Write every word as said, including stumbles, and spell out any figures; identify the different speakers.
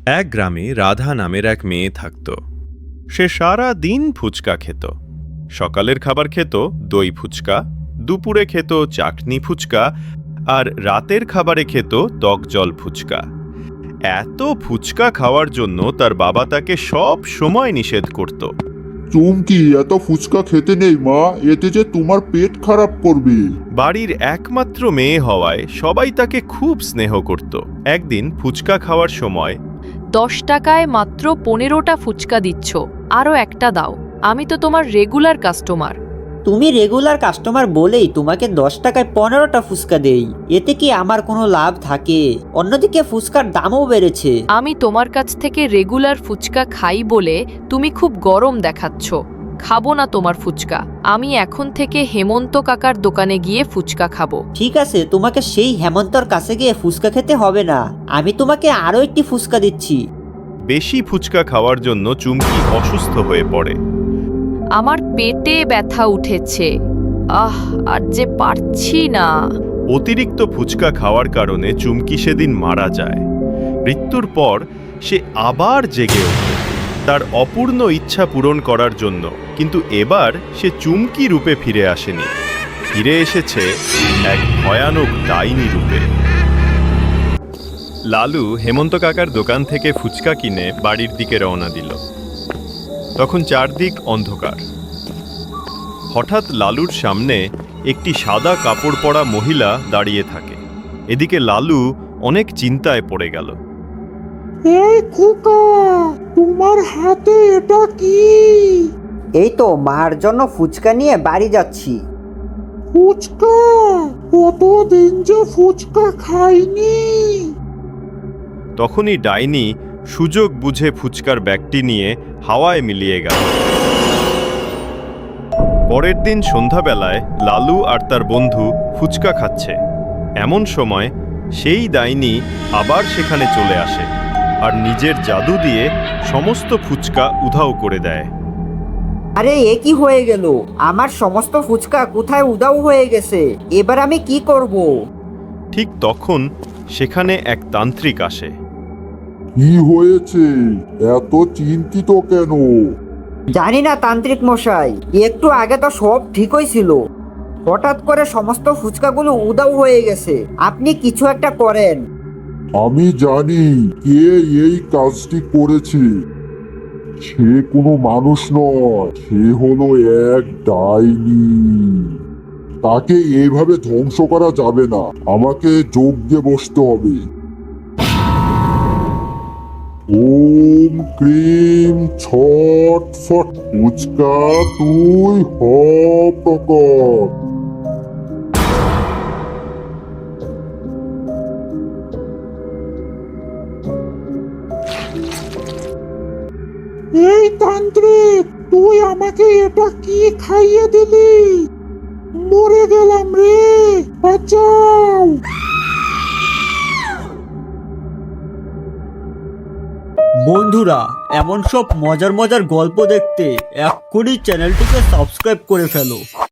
Speaker 1: এক গ্রামে রাধা নামের এক মেয়ে থাকত। সে সারা দিন ফুচকা খেত। সকালের খাবার খেত দই ফুচকা, দুপুরে খেত চাটনি ফুচকা, আর রাতের খাবারে খেত টক জল ফুচকা। এত ফুচকা খাওয়ার জন্য তার বাবা তাকে সব সময় নিষেধ করত।
Speaker 2: চুমকি, এত ফুচকা খেতে নেই মা, এতে যে তোমার পেট খারাপ করবে।
Speaker 1: বাড়ির একমাত্র মেয়ে হওয়ায় সবাই তাকে খুব স্নেহ করত। একদিন ফুচকা খাওয়ার সময়,
Speaker 3: দশ টাকায় মাত্র পনেরোটা ফুচকা দিচ্ছ, আরও একটা দাও, আমি তো তোমার রেগুলার কাস্টমার।
Speaker 4: তুমি রেগুলার কাস্টমার বলেই তোমাকে দশ টাকায় পনেরোটা ফুচকা দেই, এতে কি আমার কোনো লাভ থাকে? অন্যদিকে ফুচকার দামও বেড়েছে।
Speaker 3: আমি তোমার কাছ থেকে রেগুলার ফুচকা খাই বলে তুমি খুব গরম দেখাচ্ছ। খাবো না তোমার ফুচকা। আমি এখন থেকে হেমন্ত কাকার দোকানে গিয়ে ফুচকা খাবো।
Speaker 4: ঠিক আছে, তোমাকে সেই হেমন্তর কাছে গিয়ে ফুচকা খেতে হবে না, আমি তোমাকে আরো একটি ফুচকা দিচ্ছি।
Speaker 1: বেশি ফুচকা খাওয়ার জন্য চুমকি অসুস্থ হয়ে পড়ে।
Speaker 3: আমার পেটে ব্যথা উঠেছে, আহ আর যে পারছি না।
Speaker 1: অতিরিক্ত ফুচকা খাওয়ার কারণে চুমকি সেদিন মারা যায়। মৃত্যুর পর সে আবার জেগে ওঠে তার অপূর্ণ ইচ্ছা পূরণ করার জন্য, কিন্তু এবার সে চুমকি রূপে ফিরে আসেনি, ফিরে এসেছে এক ভয়ানক ডাইনি রূপে। লালু হেমন্ত কাকার দোকান থেকে ফুচকা কিনে বাড়ির দিকে রওনা দিল। তখন চারদিক অন্ধকার। হঠাৎ লালুর সামনে একটি সাদা কাপড় পরা মহিলা দাঁড়িয়ে থাকে। এদিকে লালু অনেক চিন্তায় পড়ে গেল।
Speaker 5: এই খোকা, তোমার হাতে এটা কি?
Speaker 4: এই তো মার জন্য ফুচকা নিয়ে বাড়ি যাচ্ছি।
Speaker 5: ফুচকা? কতদিন যে ফুচকা খাইনি।
Speaker 1: তখনই ডাইনি সুযোগ বুঝে ফুচকার ব্যাগটি নিয়ে হাওয়ায় মিলিয়ে গেল। পরের দিন সন্ধ্যাবেলায় লালু আর তার বন্ধু ফুচকা খাচ্ছে। এমন সময় সেই ডাইনি আবার সেখানে চলে আসে আর নিজের জাদু দিয়ে সমস্ত ফুচকা উধাও করে দেয়।
Speaker 4: আরে এ কি হয়ে গেল? আমার সমস্ত ফুচকা কোথায় উধাও হয়ে গেছে? এবার আমি কি করব?
Speaker 1: ঠিক তখন সেখানে এক তান্ত্রিক আসে।
Speaker 2: কি হয়েছে? এত চিন্তিত কেন?
Speaker 4: জানি না তান্ত্রিক মশাই, একটু আগে তো সব ঠিকই ছিল, হঠাৎ করে সমস্ত ফুচকাগুলো উধাও হয়ে গেছে। আপনি কিছু একটা করেন।
Speaker 2: আমি জানি কে এই কাজটি করেছে। সে কোনো মানুষ নয়, সে হলো এক ডাইনি। তাকে এইভাবে ধ্বংস করা যাবে না, আমাকে যোগ দিয়ে বসতে হবে। ওম ক্রিম ছট ফট, ফুচকা তুই হ প্রকট।
Speaker 5: এই তান্ত্রিক, তুই আমাকে এটা কি খাইয়ে দিলি? মরে গেলাম রে, বাঁচাও।
Speaker 6: বন্ধুরা, এমন সব মজার মজার গল্প দেখতে এক্ষুনি চ্যানেলটিকে সাবস্ক্রাইব করে ফেলো।